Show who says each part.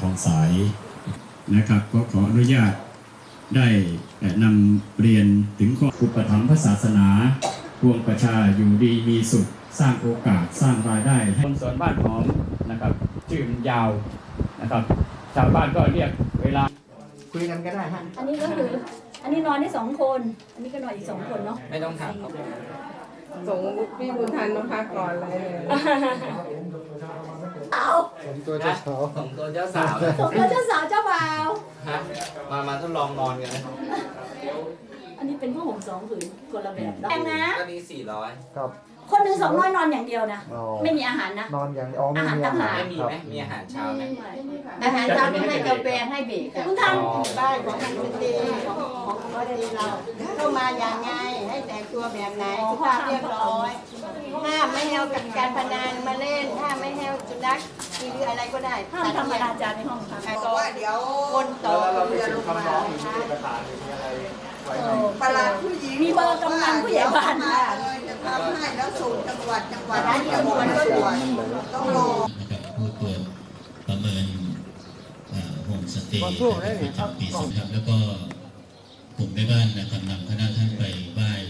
Speaker 1: ทองสายนะครับก็ขออนุญาตได้นำเรียนถึงข้ออุปถัมภ์พระศาสนาพวงประชาอยู่ดีมีสุขสร้างโอกาสสร้างรายได้ให้คนสวนบ้านหอมนะครับชื่อมันยาวนะครับชาวบ้านก็เรียกเวลาคุยกันก็ได้ฮะ
Speaker 2: อันนี้ก็คืออันนี้นอนได้2 คนอันนี้ก็นอนอีก2 คนเนาะ
Speaker 1: ไม่ต้องถามครับ
Speaker 3: ส่งพี่บุญทันมาพักก่อนเลย
Speaker 2: เอา
Speaker 4: ผมตัวเจ้าสาว
Speaker 5: ผมตัวเจ้าสาว
Speaker 2: ผมก็เจ้าสาวเจ้าบ่าว
Speaker 5: ฮะมาทดลองนอนกันนะ
Speaker 2: อันนี้เป็นผ้าห่ม2 ผืนคนละแบบแพงนะ
Speaker 5: ก็นี้400
Speaker 4: ครับ
Speaker 2: คนหนึ่ง200นอนอย่างเดียวนะไม่มีอาหารนะ
Speaker 4: นอนอย่างไม่มีอาหาร
Speaker 5: ไม่มีไหมมีอาหารเช้าไหม
Speaker 3: อาหารเช้าต้องให้กาแฟให้เบรก
Speaker 2: คุณท่าน
Speaker 3: บ้านของมันเป็นดีของเราเข้ามาอย่างไงให้แต่งตัวแบบไหนสุภาพเรียบร้อยห้ามไม่ให้เอากับการพนันมาเล่นห้ามไม่ให้เอาสุนัขหรืออะไรก็ได้
Speaker 2: ห้ามทำอนาจารในห้องค่ะ
Speaker 3: บอกว่าเดี๋ยวคนต่อเรือลงมาประหลัดผู้หญิง
Speaker 2: มีเบอร์กำนันผู้ใหญ่บ้านค่ะ
Speaker 3: จะทำให้แล้วส่งจังหวัดนั้นเดียวมันก็ด่วนต้องรอ
Speaker 6: ผู้ตรวจประเมินโฮมสเตย์ประจำปีครับแล้วก็กลุ่มแม่บ้านนะครับนำคณะท่านไปไหว้